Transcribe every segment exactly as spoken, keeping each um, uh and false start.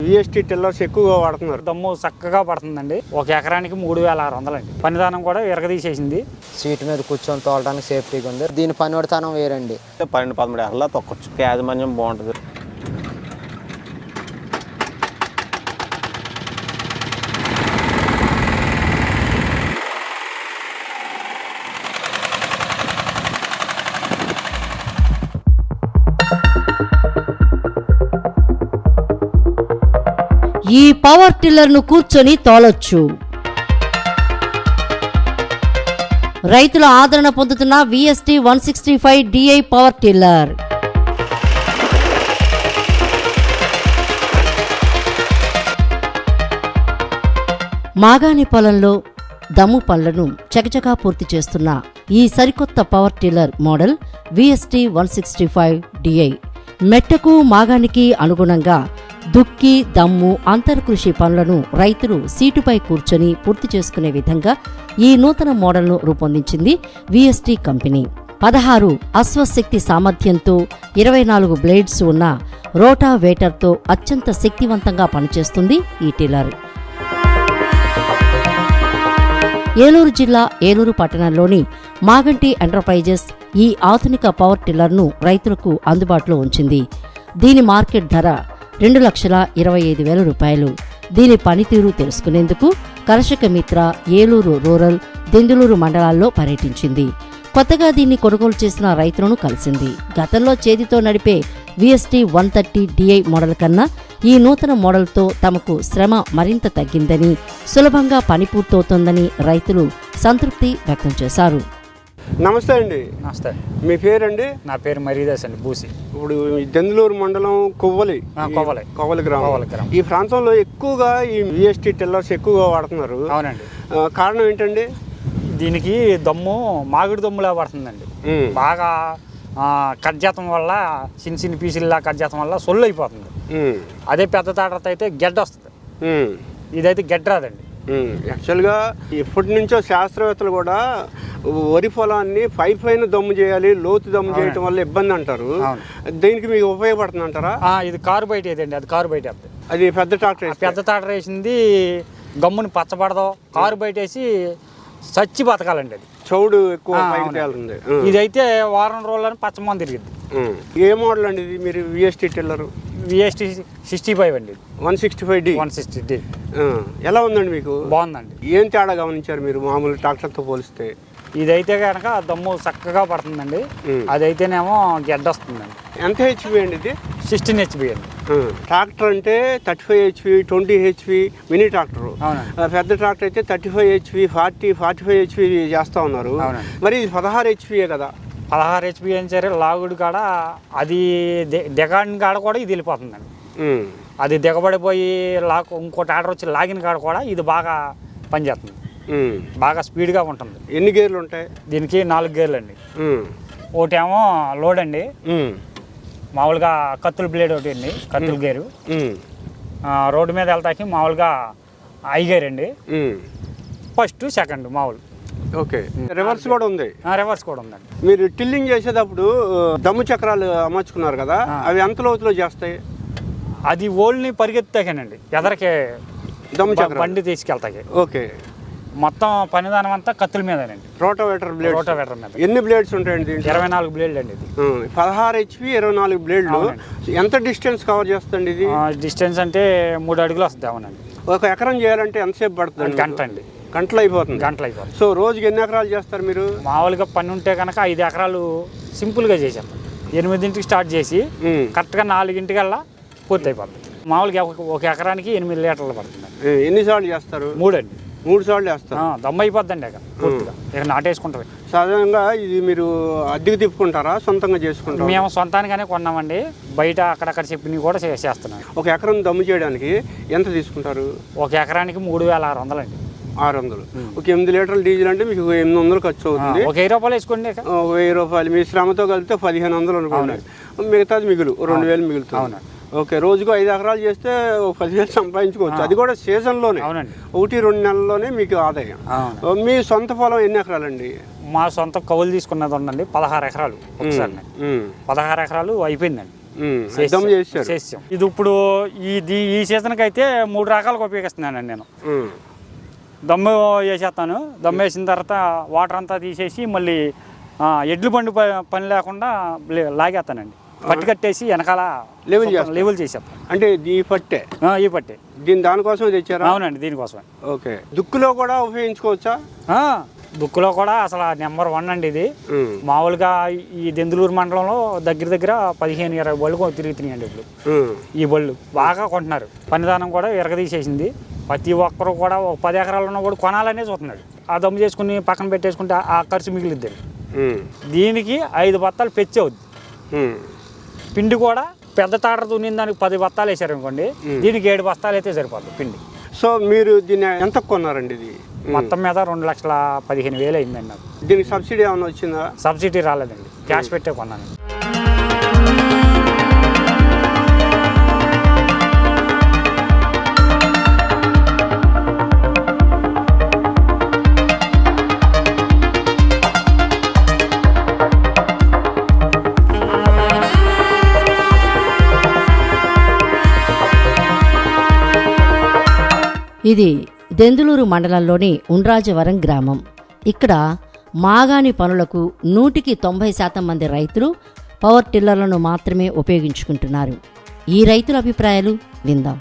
VST tillers ఎక్కువగా వాడుతున్నారు. దమ్ము చక్కగా పడుతుందండి. ఒక ఎకరానికి మూడు వేల ఆరు వందలండి. పనిదానం కూడా ఎరగదీసేసింది. సీట్ మీద కూర్చొని తోలడానికి సేఫ్టీగా ఉంది. దీని పనివడితనం వేరండి. పన్నెండు పదమూడు ఎకరాల తొక్కొచ్చు. యాజమాన్యం బాగుంటుంది. ఈ పవర్ టిల్లర్ ను కూర్చొని తోలొచ్చు. రైతుల ఆదరణ పొందుతున్న VST one sixty five DI power tiller. మాగాణి పొలంలో దమ్ము పనులను చకచకా పూర్తి చేస్తున్న ఈ సరికొత్త power tiller model VST one sixty five DI. మెట్టకు మాగానికి అనుగుణంగా దుక్కి, దమ్ము, అంతర్కృషి పనులను రైతులు సీటుపై కూర్చొని పూర్తి చేసుకునే విధంగా ఈ నూతన మోడల్ను రూపొందించింది విఎస్టీ కంపెనీ. పదహారు అశ్వశక్తి సామర్థ్యంతో ఇరవై నాలుగు బ్లేడ్స్ ఉన్న రోటావేటర్తో అత్యంత శక్తివంతంగా పనిచేస్తుంది ఈ టిల్లర్. ఏలూరు జిల్లా ఏలూరు పట్టణంలోని మాగంటి ఎంటర్ప్రైజెస్ ఈ ఆధునిక పవర్ టిల్లర్ను రైతులకు అందుబాటులో ఉంచింది. దీని మార్కెట్ ధర రెండు లక్షల ఇరవై ఐదు వేల రూపాయలు. దీని పనితీరు తెలుసుకునేందుకు కర్షక మిత్ర ఏలూరు రూరల్, దెందులూరు మండలాల్లో పర్యటించింది. కొత్తగా దీన్ని కొనుగోలు చేసిన రైతులను కలిసింది. గతంలో చేతితో నడిపే VST one thirty DI model కన్నా ఈ నూతన మోడల్తో తమకు శ్రమ మరింత తగ్గిందని, సులభంగా పని పూర్తవుతోందని రైతులు సంతృప్తి వ్యక్తం చేశారు. నమస్తే అండి. నమస్తే. మీ పేరండి? నా పేరు మరీదాస్ అండి. బూసి. ఇప్పుడు దెందులూరు మండలం కొవ్వలి కొవ్వలి కొవ్వలి గ్రామం. ఈ ప్రాంతంలో ఎక్కువగా ఈ విఎస్టీ టిల్లర్స్ ఎక్కువగా వాడుతున్నారు. అవునండి. కారణం ఏంటండి? దీనికి దమ్ము మామిడి దమ్ములా పడుతుందండి. బాగా కట్ చేయటం వల్ల చిన్న చిన్న పీసుల్లా కట్ చేయటం వల్ల సొల్లు అయిపోతుంది. అదే పెద్ద తాటత అయితే గెడ్డ వస్తుంది. ఇదైతే గెడ్డ రాదండి. యాక్చువల్గా ఇప్పటి నుంచో శాస్త్రవేత్తలు కూడా వరి పొలాన్ని పై పైన దమ్ము చేయాలి, లోతు దమ్ము చేయటం వల్ల ఇబ్బంది అంటారు. దీనికి మీకు ఉపయోగపడుతుంది అంటారా? ఇది కారు బయట ఏదండి. అది కారు బయట అది పెద్ద ట్రాక్టర్. పెద్ద ట్రాక్టర్ వేసింది గమ్ముని పచ్చబడదు. కారు బయట వేసి చచ్చి బతకాలండి. అది చౌడు ఎక్కువ పైకి తేలుతుంది. ఇదైతే వారం రోజులని పచ్చమని తిరిగింది. ఏ మోడల్ అండి ఇది? మీరు VST tiller VST sixty five అండి. One sixty five D one sixty D ఎలా ఉందండి మీకు? బాగుందండి. ఏం తేడా గమనించారు మీరు మామూలు ట్రాక్టర్తో పోలిస్తే? ఇదైతే కనుక దమ్ము చక్కగా పడుతుందండి. అదైతేనేమో గెడ్డ వస్తుందండి. ఎంత హెచ్పి అండి ఇది? సిక్స్టీన్ హెచ్పి అండి. ట్రాక్టర్ అంటే thirty five HP, twenty HP mini tractor. పెద్ద ట్రాక్టర్ అయితే thirty five HP, forty forty five HP చేస్తా ఉన్నారు. మరి ఇది పదహారు హెచ్పియే కదా? పదహారు హెచ్పి అని సరే లాగుడు కాడ అది దిగాడిన కాడ కూడా ఇది వెళ్ళిపోతుందండి. అది దిగబడిపోయి లాక్ ఇంకో ట్రాక్టర్ వచ్చి లాగిన కాడ కూడా ఇది బాగా పనిచేస్తుంది. బాగా స్పీడ్గా ఉంటుంది. ఎన్ని గేర్లు ఉంటాయి దీనికి? నాలుగు గేర్లు అండి. ఒకటేమో లోడ్ అండి. మామూలుగా కత్తుల బ్లేడ్ ఒకటి అండి, కత్తుల గేరు. రోడ్డు మీద వెళ్తాకి మామూలుగా ఐ గేర్ అండి. ఫస్ట్ సెకండ్ మామూలు. ఓకే. రివర్స్ కూడా ఉంది? రివర్స్ కూడా ఉందండి. మీరు టిల్లింగ్ చేసేటప్పుడు దమ్ము చక్రాలు అమర్చుకున్నారు కదా, అవి ఎంత లోతులో చేస్తాయి? అది ఓల్ని పరిగెత్తాకేనండి, ఎదరికి దమ్ము చక్రం బండి తీసుకెళ్తాయి. ఓకే. మొత్తం పనిదానం అంతా కత్తుల మీదనండి. Rotavator blade. రోటోవేటర్ మీద. ఎన్ని బ్లేడ్స్ ఉంటాయండి? ఇరవై నాలుగు బ్లేడ్లు అండి. ఇది పదహారు హెచ్పి, ఇరవై నాలుగు బ్లేడ్లు. ఎంత డిస్టెన్స్ కవర్ చేస్తుంది ఇది? డిస్టెన్స్ అంటే మూడు అడుగులు వస్తుంది. అవునండి. ఒక ఎకరం చేయాలంటే ఎంతసేపు పడుతుంది? గంట అండి. గంటలు అయిపోతుంది. గంటలు అయిపోతుంది. సో రోజుకి ఎన్ని ఎకరాలు చేస్తారు మీరు? మామూలుగా పని ఉంటే కనుక ఐదు ఎకరాలు సింపుల్గా చేసాం. ఎనిమిదింటికి స్టార్ట్ చేసి కరెక్ట్గా నాలుగింటికల్లా పూర్తి అయిపోతుంది. మామూలుగా ఒక ఎకరానికి ఎనిమిది లీటర్లు పడుతుంది. ఎన్నిసార్లు చేస్తారు? మూడు అండి. మూడు సార్లు వేస్తారు. దమ్ము అయిపోద్దండి అక్కడ పూర్తిగా. ఇక నాటేసుకుంటారు. సాధారణంగా ఇది మీరు అద్దెకు తిప్పుకుంటారా, సొంతంగా చేసుకుంటారా? మేము సొంతానిగానే కొన్నామండి. బయట అక్కడక్కడ చెప్పినవి కూడా చేస్తున్నాం. ఒక ఎకరం దమ్ము చేయడానికి ఎంత తీసుకుంటారు? ఒక ఎకరానికి మూడు వేల ఆరు వందలు అండి. ఆరు వందలు. ఒక ఎనిమిది లీటర్ల డీజిల్ అంటే మీకు ఎనిమిది వందలు ఖర్చు అవుతుంది. ఒక వెయ్యి రూపాయలు వేసుకోండి. వెయ్యి రూపాయలు మీ శ్రమతో కలిపితే పదిహేను వందలు అనుకోండి. మిగతాది మిగులు రెండు వేలు మిగులుతుంది. ఓకే. రోజుకు ఐదు ఎకరాలు చేస్తే పదివేలు సంపాదించుకోవచ్చు. అది కూడా సీజన్లోనే, ఒకటి రెండు నెలల్లోనే మీకు ఆదాయం. మీ సొంత పొలం ఎన్ని ఎకరాలండి? మా సొంత కవులు తీసుకున్నది ఉందండి పదహారు ఎకరాలు. ఒకసారి పదహారు ఎకరాలు అయిపోయిందండి. ఉమ్, దమ్ము చేశారు. చేసాం. ఇది ఇప్పుడు ఇది ఈ సీజన్కి అయితే మూడు రకాలుగా ఉపయోగిస్తున్నానండి నేను. ఉమ్, దమ్ము వేసేస్తాను. దమ్ము వేసిన తర్వాత వాటర్ అంతా తీసేసి మళ్ళీ ఆ, ఎడ్లు బండి ప- పని లేకుండా లే- లాగేస్తానండి. పట్టి కట్టేసి వెనకాల లెవెల్ చేస్తారు. లెవెల్ చేసేస్తాను. అంటే ఈ పట్టే ఆ, ఈ పట్టే దీని దానికోసం తెచ్చారా? అవునండి, దీనికోసమే. ఓకే. దుక్కులో కూడా ఉపయోగించుకోవచ్చా? ఆ, బుక్లో కూడా అసలు నెంబర్ వన్ అండి ఇది. ఉమ్, మామూలుగా ఈ దెందులూరు మండలంలో దగ్గర దగ్గర పదిహేను ఇరవై బళ్ళు తిరుగుతున్నాయండి ఇప్పుడు. ఉమ్, ఈ బళ్ళు బాగా కొంటున్నారు. పనిదానం కూడా ఎరగదీసేసింది. ప్రతి ఒక్కరు కూడా ఒక పది ఎకరాలు ఉన్న కూడా కొనాలనే చూస్తున్నాడు. ఆ దమ్ము చేసుకుని పక్కన పెట్టేసుకుంటే ఆ ఖర్చు మిగిలిద్దండి. ఉమ్, దీనికి ఐదు బత్తాలు పెచ్చి అవుద్ది. ఉమ్, పిండి కూడా పెద్ద తాటర దున్నిన దానికి పది బత్తాలు వేసారు అనుకోండి, దీనికి ఏడు బస్తాలు అయితే సరిపోతుంది పిండి. సో మీరు దీన్ని ఎంత కొన్నారండి? ఇది మొత్తం మీద రెండు లక్షల పదిహేను వేలు అయిందండి నాకు. దీనికి సబ్సిడీ ఏమైనా వచ్చిందా? సబ్సిడీ రాలేదండి, క్యాష్ పెట్టే కొన్నాను. ఇది దెందులూరు మండలంలోని ఉండ్రాజవరం గ్రామం. ఇక్కడ మాగాణి పనులకు నూటికి తొంభై శాతం మంది రైతులు పవర్ టిల్లర్లను మాత్రమే ఉపయోగించుకుంటున్నారు. ఈ రైతుల అభిప్రాయాలు విందాం.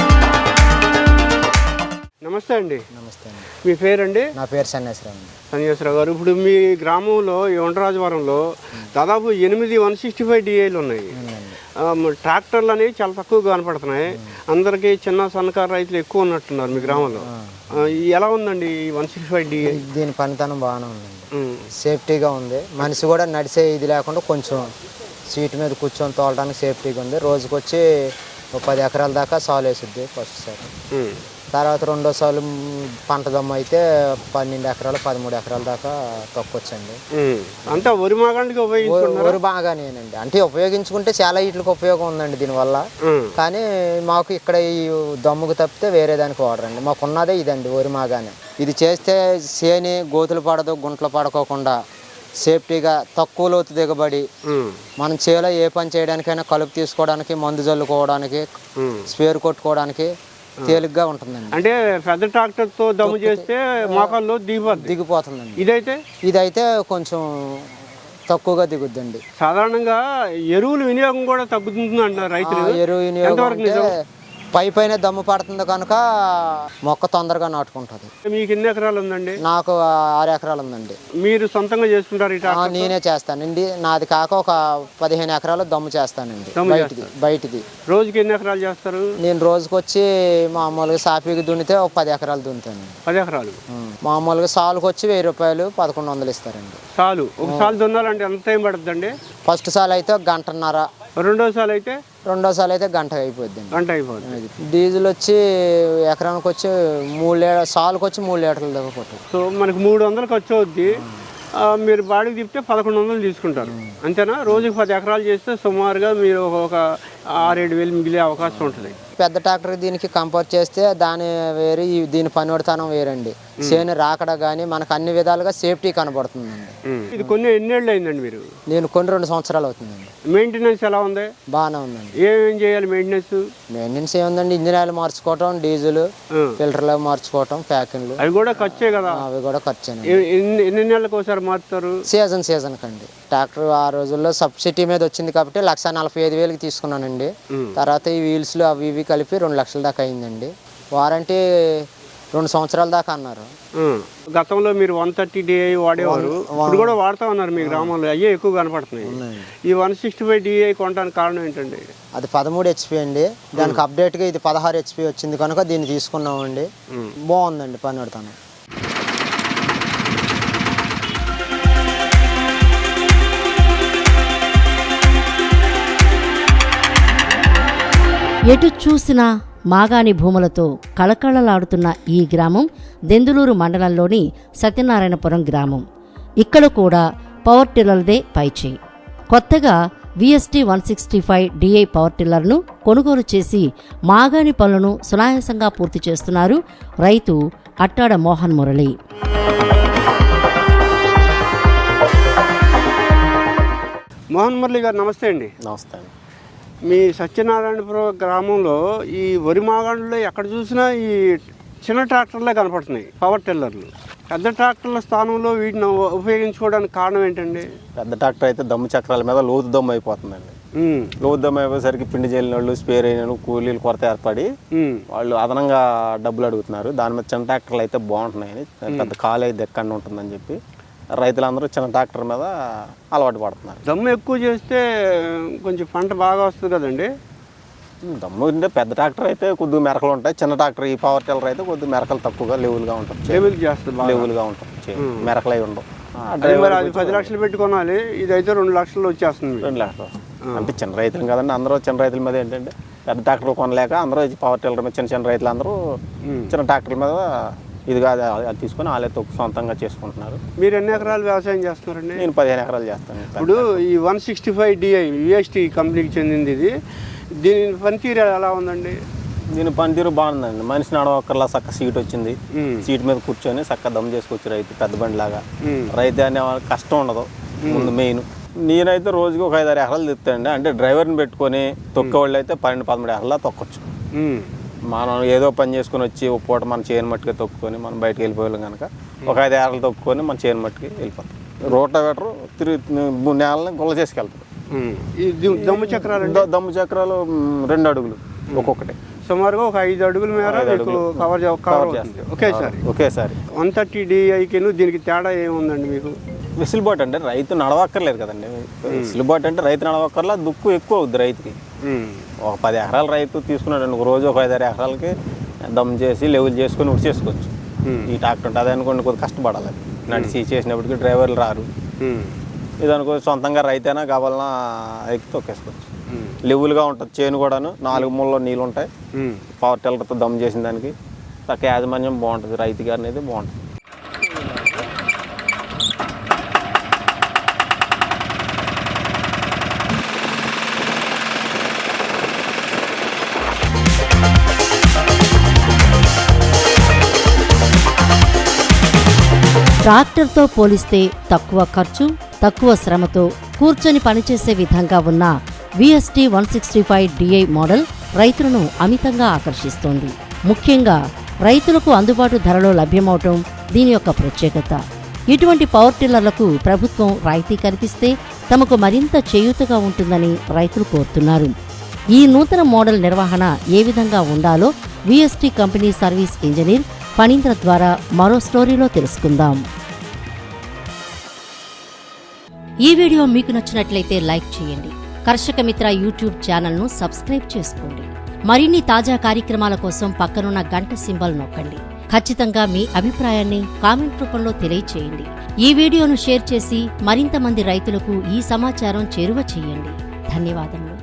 నమస్తే అండి. నమస్తే అండి. మీ పేరండి? నా పేరు సన్యాసరావు అండి. సన్యాసరావు గారు, ఇప్పుడు మీ గ్రామంలో ఈ ఉండ్రాజవరంలో దాదాపు ఎనిమిది వన్ సిక్స్టీ ఫైవ్ డిఐలు ఉన్నాయి. ఆ, మ- ట్రాక్టర్లు అనేవి చాలా తక్కువగా కనపడుతున్నాయి. అందరికీ చిన్న సన్నకారు రైతులు ఎక్కువ ఉన్నట్టున్నారు మీ గ్రామంలో. ఆ, ఈ ఎలా ఉందండి ఈ వన్ సిక్స్టీ ఫైవ్ డిఐ? దీని పనితనం బాగానే ఉందండి. సేఫ్టీగా ఉంది. మనిషి కూడా నడిచే ఇది లేకుండా కొంచెం సీట్ మీద కూర్చొని తోలడానికి సేఫ్టీగా ఉంది. రోజుకొచ్చి ఒక పది ఎకరాల దాకా సాలు వేసుద్ది ఫస్ట్ సార్. తర్వాత రెండో సార్లు పంట దమ్ము అయితే పన్నెండు ఎకరాలు పదమూడు ఎకరాల దాకా తొక్కొచ్చండి. అంతా వరి మాగానికి ఉపయోగించుకుంటారు. వరి బాగానేనండి. అంటే ఉపయోగించుకుంటే చాలా వీటికి ఉపయోగం ఉందండి దీనివల్ల. కానీ మాకు ఇక్కడ ఈ దమ్ముకు తప్పితే వేరే దానికి వాడరండి. మాకు ఉన్నదే ఇదండి, వరి మాగానే. ఇది చేస్తే చేని గోతులు పడదు, గుంటలు పడుకోకుండా సేఫ్టీగా తక్కువ లోతు దిగబడి మనం చేలో ఏ పని చేయడానికైనా కలుపు తీసుకోవడానికి, మందు జల్లుకోవడానికి, స్పేర్ కొట్టుకోవడానికి తేలిగ్గా ఉంటుందండి. అంటే పెద్ద ట్రాక్టర్ తో దమ్ము చేస్తే మోకాల్లో దిగిపోద్ది దిగిపోతుందండి. ఇదైతే ఇదైతే కొంచెం తక్కువగా దిగుద్దండి. సాధారణంగా ఎరువుల వినియోగం కూడా తగ్గుతుంది అంటారు రైతులు. ఎరువు వినియోగం అంటే పై పైన దమ్ము పడుతుంది కనుక మొక్క తొందరగా నాటుకుంటుంది. మీకు ఎన్ని ఎకరాలు ఉందండి? నాకు ఆరు ఎకరాలు ఉందండి. మీరు సొంతంగా చేసుకుంటారు ఈ ట్రాక్టర్? నేనే చేస్తానండి. నాది కాక ఒక పదిహేను ఎకరాలు దమ్ము చేస్తానండి. బయటిది బయటిది రోజుకి ఎన్ని ఎకరాలు చేస్తారు? నేను రోజుకి వచ్చి మామూలుగా సాఫీకి దున్నితే ఒక పది ఎకరాలు దున్నుతాను. పది ఎకరాలు మామూలుగా సాలుకి వచ్చి వెయ్యి రూపాయలు పదకొండు వందలు ఇస్తారండి. సాలు ఒక సాలు దున్నాలంటే ఎంత టైం పడుతుందండి? ఫస్ట్ సాల్ అయితే గంటన్నర, రెండో సాలు అయితే రెండో సాల్ అయితే గంట అయిపోద్ది. గంట అయిపోతుంది. డీజిల్ వచ్చి ఎకరానికి వచ్చి మూడు లీటర్ సాలుకి వచ్చి మూడు లీటర్ల దాకా కొట్టారు. సో మనకి మూడు వందలు ఖర్చు అవుద్ది. మీరు బాడీకి తిప్పితే పదకొండు వందలు తీసుకుంటారు అంతేనా? రోజుకి పది ఎకరాలు చేస్తే సుమారుగా మీరు ఒక ఆరేడు వేలు మిగిలే అవకాశం ఉంటుంది. పెద్ద ట్రాక్టర్ దీనికి కంపేర్ చేస్తే దాని వేరే దీని పనివడతనం వేరండి. చేను రాకడ కానీ మనకు అన్ని విధాలుగా సేఫ్టీ కనబడుతుందండి. ఇది కొన్ని ఎన్నేళ్ళు అయిందండి మీరు? నేను కొన్ని రెండు సంవత్సరాలు అవుతుందండి. మెయింటెనెన్స్ ఎలా ఉంది? బాగానే ఉందండి. ఏమేం చేయాలి మెయింటెనెన్స్? మెయింటెనెన్స్ ఏముందండి, ఇంజిన్ ఆయిల్ మార్చుకోవటం, డీజిల్ ఫిల్టర్లు మార్చుకోవటం, ప్యాకింగ్లు అవి కూడా ఖర్చే కదా? అవి కూడా ఖర్చేనండి. ఎన్ని ఎన్ని నెలలకు ఒకసారి మారుతారు? సీజన్ సీజన్ కండి. ట్రాక్టర్ ఆ రోజుల్లో సబ్సిడీ మీద వచ్చింది కాబట్టి లక్ష నలభై ఐదు వేలకి తీసుకున్నానండి. తర్వాత ఈ వీల్స్లు అవి ఇవి కలిపి రెండు లక్షల దాకా అయిందండి. వారంటీ రెండు సంవత్సరాల దాకా అన్నారు. గతంలో మీరు వన్ థర్టీ డిఐ వాడేవారు, ఇప్పుడు కూడా వాడుతూ ఉన్నారు మీ గ్రామంలో. అయ్యే ఎక్కువ కనపడుతున్నాయి. ఈ వన్ సిక్స్టీ ఫైవ్ డిఐ కొనడానికి కారణం ఏంటండి? అది పదమూడు హెచ్పి అండి. దానికి అప్డేట్గా ఇది పదహారు హెచ్పి వచ్చింది కనుక దీన్ని తీసుకున్నామండి. బాగుందండి పని పెడతాను. ఎటు చూసినా మాగాణి భూములతో కళకళలాడుతున్న ఈ గ్రామం దెందులూరు మండలంలోని సత్యనారాయణపురం గ్రామం. ఇక్కడ కూడా పవర్ టిల్లర్దే పైచేయి. కొత్తగా VST one sixty five DI power టిల్లర్ను కొనుగోలు చేసి మాగాణి పనులను సునాయాసంగా పూర్తి చేస్తున్నారు రైతు అట్టాడ మోహన్ మురళి. మోహన్ మురళి గారు నమస్తే అండి. నమస్తే అండి. మీ సత్యనారాయణపురం గ్రామంలో ఈ వరి మాగాణుల్లో ఎక్కడ చూసినా ఈ చిన్న ట్రాక్టర్లే కనపడుతున్నాయి, పవర్ టిల్లర్లు. పెద్ద ట్రాక్టర్ల స్థానంలో వీటిని ఉపయోగించుకోవడానికి కారణం ఏంటండి? పెద్ద ట్రాక్టర్ అయితే దమ్ము చక్రాల మీద లోతు దమ్ము అయిపోతుందండి. లోతు దమ్ము అయిపోయేసరికి పిండి జల్లిన వాళ్ళు, స్పేర్ అయిన వాళ్ళు, కూలీలు కొరత ఏర్పడి వాళ్ళు అదనంగా డబ్బులు అడుగుతున్నారు. దాని మీద చిన్న ట్రాక్టర్లు అయితే బాగుంటున్నాయని, పెద్ద ఖాళీ అయితే ఎక్కడ ఉంటుందని చెప్పి రైతులందరూ చిన్న ట్రాక్టర్ మీద అలవాటు పడుతున్నారు. దమ్ము ఎక్కువ చేస్తే కొంచెం పంట బాగా వస్తుంది కదండి. దమ్ము అంటే పెద్ద ట్రాక్టర్ అయితే కొద్దిగా మెరకలు ఉంటాయి, చిన్న ట్రాక్టర్ ఈ పవర్ టిల్లర్ అయితే కొద్దిగా మెరకలు తక్కువగా లెవెల్గా ఉంటుంది. లెవెల్ చేస్తుంది, లెవెల్గా ఉంటుంది, మెరకలు అయి ఉండవు. డ్రైవర్ అది పది లక్షలు పెట్టి కొనాలి, ఇదైతే రెండు లక్షలు వచ్చేస్తుంది. రెండు లక్షలు అంటే చిన్న రైతులు కదండి, అందరూ చిన్న రైతుల మీద ఏంటంటే పెద్ద ట్రాక్టర్ కొనలేక అందరూ పవర్ టిల్లర్ మీద చిన్న చిన్న రైతులు అందరూ చిన్న ట్రాక్టర్ల మీద ఇది కాదు అది తీసుకొని వాళ్ళే తొక్కు సొంతంగా చేసుకుంటున్నారు. మీరు ఎన్ని ఎకరాలు వ్యవసాయం చేస్తున్నారండి? నేను పదిహేను ఎకరాలు చేస్తాను. ఇప్పుడు ఈ one sixty five DI VST కంపెనీకి చెందింది ఇది. దీని పనితీరు ఎలా ఉందండి? దీని పనితీరు బాగుందండి. మనిషి నడవక్కర్లా చక్క సీట్ వచ్చింది, సీట్ మీద కూర్చొని చక్క దమ్ చేసుకోవచ్చు రైతు, పెద్ద బండి లాగా. రైతు అనే కష్టం ఉండదు ముందు మెయిన్. నేనైతే రోజుకి ఒక ఐదారు ఎకరాలు తిప్పుతానండి. అంటే డ్రైవర్ని పెట్టుకొని తొక్కేవాళ్ళు అయితే పన్నెండు పదమూడు ఎకరాలు తొక్కొచ్చు. మనం ఏదో పని చేసుకుని వచ్చి ఒక పూట మన చేను మట్టుకే తొక్కుకొని మనం బయటకు వెళ్ళిపోయాం కనుక ఒక ఐదు ఎకరాలు తొక్కుకొని మన చేను మట్టుకి వెళ్ళిపోతాం. రోటావేటర్ తిరిగి మూడు నెలలని గుల్ల చేసుకెళ్తాం. దమ్ము చక్రాలు దమ్ము చక్రాలు రెండు అడుగులు ఒక్కొక్కటి, సుమారుగా ఒక ఐదు అడుగుల మేర కవర్ కవర్ చేస్తుంది ఒకేసారి. ఒకేసారి వన్ థర్టీ డిఐకి దీనికి తేడా ఏముందండి మీకు? వెసులుబాటు అంటే రైతు నడవక్కర్లేదు కదండి. వెసులుబాటు అంటే రైతు నడవక్కర్లా, దుక్కు ఎక్కువ అవుద్ది రైతుకి. ఒక పది ఎకరాలు రైతు తీసుకున్నాడు ఒక రోజు ఒక ఐదారు ఎకరాలకి దమ్ చేసి లెవెల్ చేసుకొని ఉడి చేసుకోవచ్చు. ఈ ట్రాక్టర్ ఉంటుంది అది అనుకోండి కొద్దిగా కష్టపడాలి, నడిచి చేసినప్పటికీ డ్రైవర్లు రారు. ఇది అనుకో సొంతంగా రైతైనా కావాలన్నా ఎక్కి తొక్కేసుకోవచ్చు. లెవెల్గా ఉంటుంది చేను కూడాను, నాలుగు మూలలో నీళ్ళు ఉంటాయి. పవర్ టిల్లర్తో దమ్ చేసిన దానికి చక్క యాజమాన్యం బాగుంటుంది, రైతు గారి అనేది బాగుంటుంది. ట్రాక్టర్తో పోలిస్తే తక్కువ ఖర్చు, తక్కువ శ్రమతో కూర్చొని పనిచేసే విధంగా ఉన్న VST one sixty five DI model రైతులను అమితంగా ఆకర్షిస్తోంది. ముఖ్యంగా రైతులకు అందుబాటు ధరలో లభ్యమవటం దీని యొక్క ప్రత్యేకత. ఇటువంటి పవర్ టిల్లర్లకు ప్రభుత్వం రాయితీ కల్పిస్తే తమకు మరింత చేయూతగా ఉంటుందని రైతులు కోరుతున్నారు. ఈ నూతన మోడల్ నిర్వహణ ఏ విధంగా ఉండాలో VST company service engineer Phanindra ద్వారా మరో స్టోరీలో తెలుసుకుందాం. ఈ వీడియో మీకు నచ్చినట్లయితే లైక్ చేయండి. కర్షక మిత్ర యూట్యూబ్ ఛానల్ను సబ్స్క్రైబ్ చేసుకోండి. మరిన్ని తాజా కార్యక్రమాల కోసం పక్కనున్న గంట సింబల్ నొక్కండి. ఖచ్చితంగా మీ అభిప్రాయాన్ని కామెంట్ రూపంలో తెలియచేయండి. ఈ వీడియోను షేర్ చేసి మరింత మంది రైతులకు ఈ సమాచారం చేరువ చేయండి. ధన్యవాదములు.